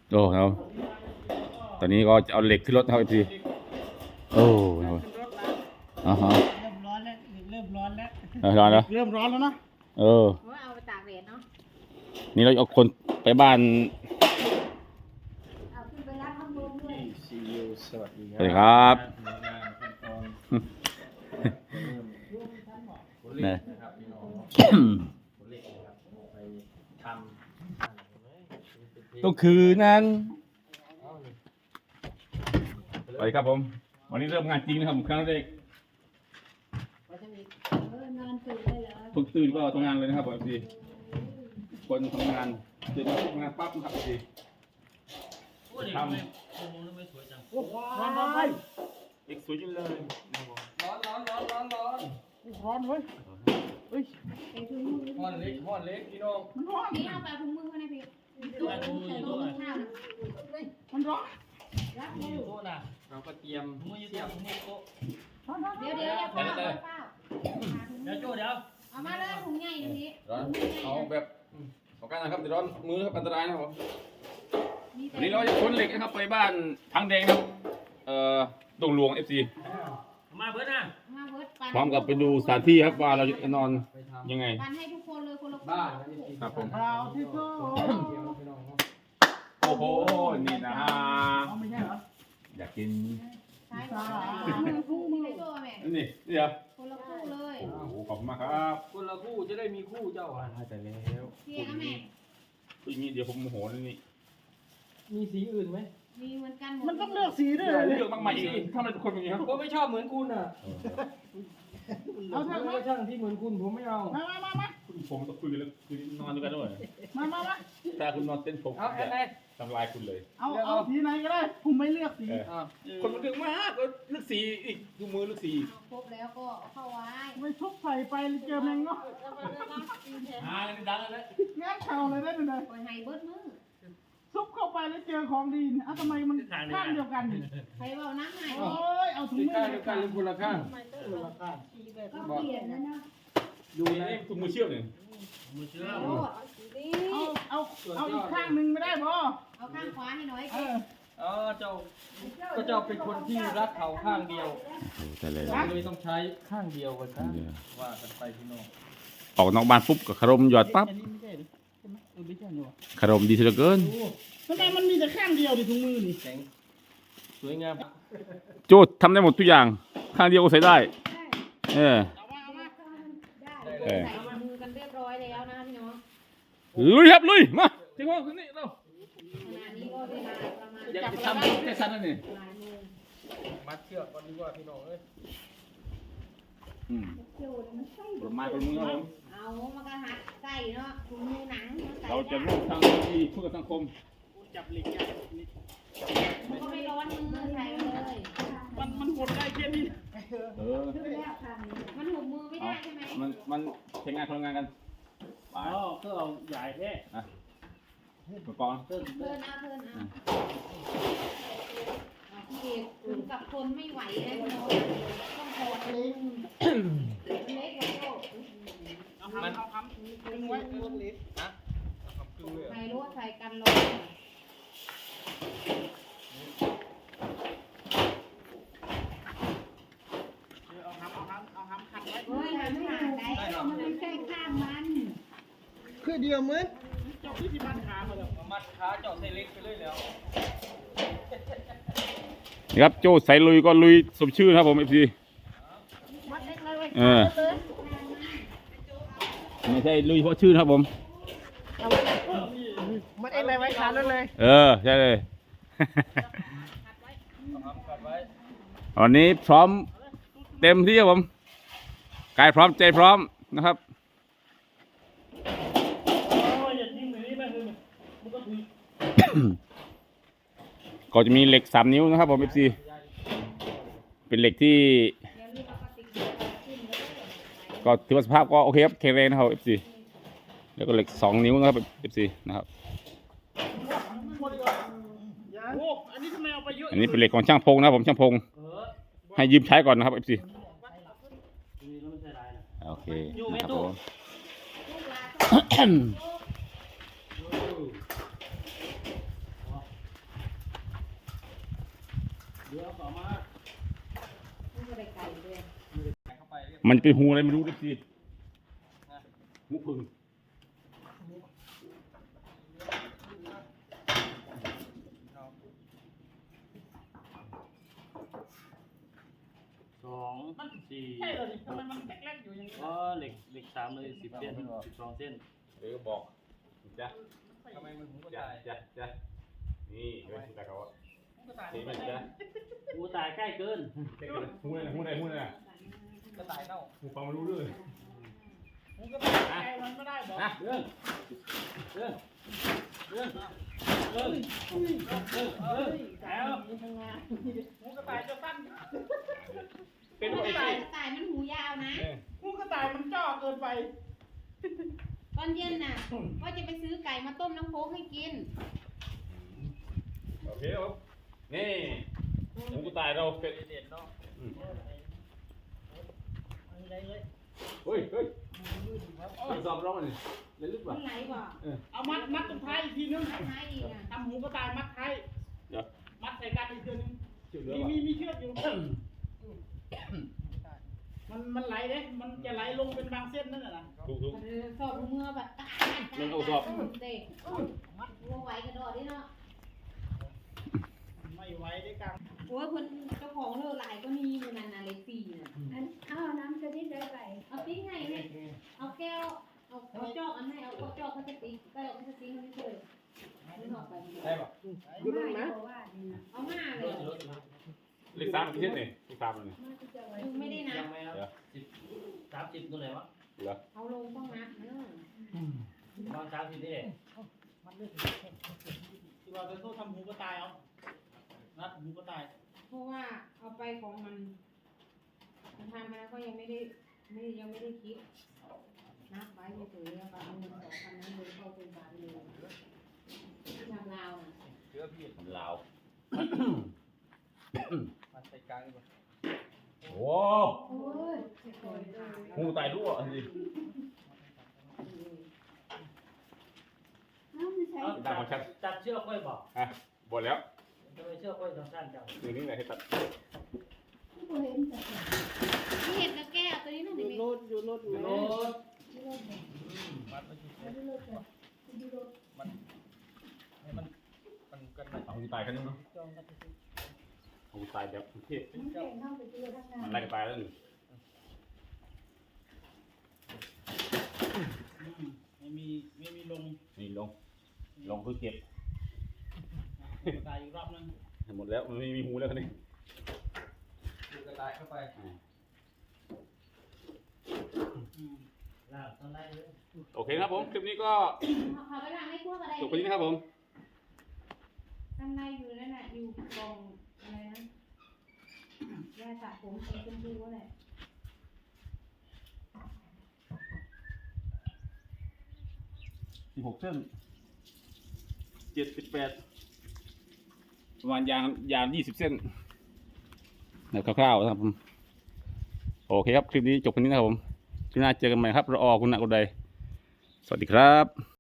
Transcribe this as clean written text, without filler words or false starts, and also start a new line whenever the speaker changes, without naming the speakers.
โอ้ครับตอนนี้ก็จะเอาเหล็กขึ้นรถนะครับพี่โอ้ครับอ๋อฮะ
เริ่มร้อนแล้วเริ่มร้อนแล้ว
ร้อนแล้ว
เริ่มร้อนแล้วนะ
เออ
เอาไปตากแดดเนาะ
นี่เราเอาคนไปบ้าน
เอาขึ้นไปรับข้างบนด้วย
ซีอิ๊วสวัสดี
สวัสดีครับ เนี่ย ก็คือนั้นสวัสดีครับผม วันนี้เริ่มงานจริงนะครับครั้งแรก
นอนตื่นได้เหรอ
เพิ่งตื่นก็ทำงานเลยนะครับพี่คนทำงานตื่นมาทำงานปั๊บนะครับพี่ทำ
โอ้ร้อนร้อน
เด็กสวยจังเลย
ร้อนเว้ยเฮ้ย
ไอ้ถุงมือ
ห่อนเล็กพี่น้อง
มันร้อน
นี่เอาไปถุงมือเขาในพี่ตู้ใส่ตู้ข้าวนะ
มันร้อน
รับ
มี
มื
อยู่
อ
โต๊ะนะเราก็เตรียมเสียบมือโต๊ะ
ร้อนร้อน
เดี๋ยวอย่าเฝ้าอย่าเฝ้า
เดี๋ยวโจ้เดี๋ยว
เอามาเลยถุงใหญ่ตรงนี้
ร้อนเอาแบบเอากันนะครับเดี๋ยวร้อนมือครับอันตรายนะครับผม
มีแต่
วันนี้เราจะขนเหล็กนะครับไปบ้านทางแดงครับดงหลวง FC
มาเบิร์ดนะ
มาเวิร์ดปัน
พร้อมกับไปดูสถานที่ครับว่าเราจะนอนยังไง
ปันให้ทุกคนเลยคนละ
บ้าน
ครับผม
เราที่โซ่
พี่น้อง
โอ้โหนี่นะฮะ
เอาไม่ใช่เหรอ
อยากกิน
ใช้คู่มือให้ตัวแม่
นี่เดี๋ยว
คนละคู่เลย
โอ้โหขอบคุณมากครับ
คนละคู่จะได้มีคู่เจ้าอ่ะ
แต่แล้ว
พี่นะแม่
พูดอย่างนี้เดี๋ยวผมโมโหนี่
มีสีอื่นไหม
มีเหมือนกันหมด
มันต้องเลือกสีด้วย
เลือกมากมายอีกถ้ามันเป็นคนอย่างนี้ครับ
ผมไม่ชอบเหมือนคุณอ่ะ
เอา
ถ้า
ทาง
ไม่
มา
ช่างที่เหมือนคุณผมไม่เอา
มา
ผมต้องคุยกันแล้วคือนอนด้วยกันด้วย
มา
ถ้าคุณนอนเต้นผม
เอาอะไร
ทำลายคุณเลย
เอาสีไหนก็ได้ ผมไม่เลือกสี
คนมันเรื่องมากก็เลือกสีอีกดูมือเลือกสี
ครบแล้วก็เข้าไว้
ไม่ทุบใส่ไปเจอแมงเนาะ
ดังเลย
งานเข่าเลยได้เลย
คอยให้เบิร์ดมือ
ซุปเข้าไปแล้วเจอของดีอ่ะทำไมมันข้างเดียวกัน
ใครบอกน้ำให้
โอ้ยเอาถุง
สี
มื
ข้าง
อ
เดียวกันหรือคนละข้าง
ก็เปลี่ยนนะเนาะ
ดู
นี่
นะ
ถุงมือเชื่อมเนี่ย
มือเชื่อ
โอ้ดี
เอาอีกข้างหนึ่งไม่ได้บ่
เอาข้างขวาให้หน่อย
เจ้าก็เจ้าเป็นคนที่รักเขาข้างเดียว
แต่เลย
เลยต้องใช้ข้างเดียวกันครับว่ากันไปพี่น้อง
ออกนอกบ้านปุ๊บกับคารมหยอดปั๊บ
อันนี้ไม่ใช่หรือใช่ไหมไม่ใช่หนู
คารมดีเหลือเกิน
ทำไมมันมีแต่ข้างเดียวดิถุงมือนี่
แข็งสวยงาม
โจทย์ทำได้หมดทุกอย่าง ข้างเดียวก็ใส่ได้ เออ
ได้ใส่มือกันเรียบร้อยแล้วนะพี่น้อง
ลุยครับลุยมาถึงว่าคนนี้เรา
ขณะนี้ก็เวลาประมาณ
อยากจะทำแค่สั้นนั่นนี่
บ่ายโมง
มัดเชือกก่อนดีกว่าพี่น้องเอ้ย
ผลไม้ผลมือครับผม
เอามากระหัดใส่เนาะถุงมือหนังใส่
เราจะร่วมทางที่เพื่อสังคม
จับเหล็กยากนี่
มันก็ไม่ร้อนมือใส่เลย
มันหดได้แค่นี้
เออ
มันหุบมือไม่ได้ใช่ไหม
มันใช้งานทำงานกันไป
อ๋อก็เอาใหญ่แค่
อุปกรณ์
เพิ่นเอาพี่เอกถึงกับคนไม่ไหวนะพี่น้องต้องถอดเลยเล็กกว่าโลก
เอาคำดึงไว้
ใส่ลวดใส่กันร้อน
เอาคำขัดไว้
เฮ้ยมันไม่ถูกได้มันไม่ใช่ข้างมัน
คือเดียวมืดเจ้าที่บ้านขามาแล้ว
มัดขาเจาะใส่เล็กไปเลยแล้ว
นี่ครับโจ้ใส่ลุยก็ลุยสมชื่อนะครับผมเอฟซี
มัดเล็กเลย
เออไม่ใช่ลุยเพราะชื่อนะครับผม
มัดเอ็กเลยไว้ขาเลย
เออใช่เลย วันนี้พร้อมเต็มที่ครับผมกายพร้อมใจพร้อมนะครับ ก็จะมีเหล็ก3 นิ้วนะครับผมFC เป็นเหล็กที่ก็ถือว่าสภาพก็โอเคครับแข็งแรงนะครับ FC แล้วก็เหล็ก2 นิ้วนะครับ FC นะครับ
โอ้อันนี้ทำไมเอาไปเยอะ
อันนี้เป็นเหล็กของช่างพงนะครับผมช่างพงให้ยืมใช้ก่อนนะครับ FC โอเคนะครับผม
ดี๋ยวต่อมา
มันก็ได้ไก่ด้วย
ใส่เข้าไปเรียบ
มันเป็นหูอะไรไม่รู้ดิสิ
นะ
หูพึ่ง
2 4
ใช่เลยทำไมมันแกลกๆอยู่อย่างนี้
อ๋อเหล็ก3เลย10 เส้น12 เส้น
เดี๋ยวก็บอกจ้ะ
ทำไมมันหูกระ
จ้ะ
ต่าย
จ้ะจ้ะนี่เฮ้ยแต่เขา
ก็ตาย
เห็นไหมจ้ะ
หูตายใกล้เกิน
หูอะไรหูอะไรหูอะไร
กระต่ายเน่า
หูฟังไม่รู้เรื่อง
ผมก็ตายใจมันไม่ได้บอก
นะ
เรื่องเรื่องเรื่องเรื่องแล้ว
ทำงาน
หูกระต่ายจะสั้น
เป็น
ก
ไอ้
ระต่ายมันหูยาวนะ
หูกระต่ายมันจ่อเกินไป
ตอนเย็นน่ะว่าจะไปซื้อไก่มาต้มน้ำโค้กให้กิน
โอเคครับนี่หูกูตายเราเป็น
เด็ดเนาะ
อะไรเลย
เฮ้ยเฮ้ยสอบร้องมันเล่นลึกป่ะ
มันไหลบ่
เอามัดตรงท้ายอีกทีนึง
ท้ายอีกอ่ะ
ทำหูกระต่ายมัดท้าย
เดี๋ยว
มัดใส่กันอีกทีนึง
เชื่อเรื่อง
มีเชือกอยู่ มันไหลเด้มันจะไหลลงเป็นบางเส้นนั่นแหละนะ
ถูกถูก
สอบเมื่อแบบตายเด็กวัวไหวกระโดดดิเนาะ
ไม่ไหวได้กลาง
โอ้ยคนเจ้าของเลิกหลายก็มีอยู่นั่นน่ะเล็กสี่น่ะ
เอาน้ำจะดิ้นได้ไป
เอาติ๊กไงเนี่ยเอาแก้วเอาจอกอันไหนเอาจอกเขาจะติ๊กก็เอาจะติ๊กไม่เคยไม่ออกไป
ได้ป่ะ
ดูลงนะว่าดีนะ
เอาหน้าเลย
เลขสามกี่เส้นเนี่ยเลขสามเลย
มันจะไว้
ดูไม่ได้นะ
ยังไม่ครับ30ตัวไหนวะ
เหรอ
เอาลงต้องนับเนอะ
ตอน30นี่
ที่เราจะโทษทำหูกระต่ายเอานัดหูกระต่าย
เพราะว่าเอาไปของมันทำมาก็ยังไม่ได้คิดนับไว้เฉยๆแล้วก็เอาเงิน2,000นั้นเลยเข้าเป็นบาทเลยทำลาวน่ะ
เชื่อพี่
ลาว
มาใส่กลางดีกว่า
โอ้
โอ้ย
หูตายรั่วสิ
น้ำไม่ใช่
ได้หมดชัด
ตัดเชือกค่อยบอก
อ่ะหมดแล้ว
ทำไมเชือกค่อยสั้นจัง
นี่ไหนให้ตัด
ผู้เห็นแต่
ที่เห็ดกับแก้วตัวนี้นั่นเอง
รถอยู่รถ
โน้ต
ที่รถเนี่ย
มัดไปที่
ที่รถเนี่ยที่รถ
ให้มันกันไป
หูตายกันนึงเนาะ
จ้องกันที่
หูตายแบบเทพ
มันแข่งเข้าไปที่รถข้างหน้า
มันไล่กันตายแล้วนี่
ไม่มีลง
นี่ลงเพื่อเก็บ
หูกระต่ายอีกรอบนึง
หมดแล้วมันไม่มีหูแล้วคันนี้
ดูกระต่ายเข้าไปลากตอนไล่เลย
โอเคนะครับผมคลิปนี้ก็
เขาไปล้างในครัวก็ได้
จบไปนี้นะครับผม
ข้างในอยู่นั่นน่ะอยู่กล่องอะไรนะยาสระผมสีชมพูอะไร
16 เส้น 78ประมาณยาง20 เส้นแบบคร่าวๆนะครับผมโอเคครับคลิปนี้จบแค่นี้นะครับผมคลิปหน้าเจอกันใหม่ครับรอคุณณะกุลใดสวัสดีครับ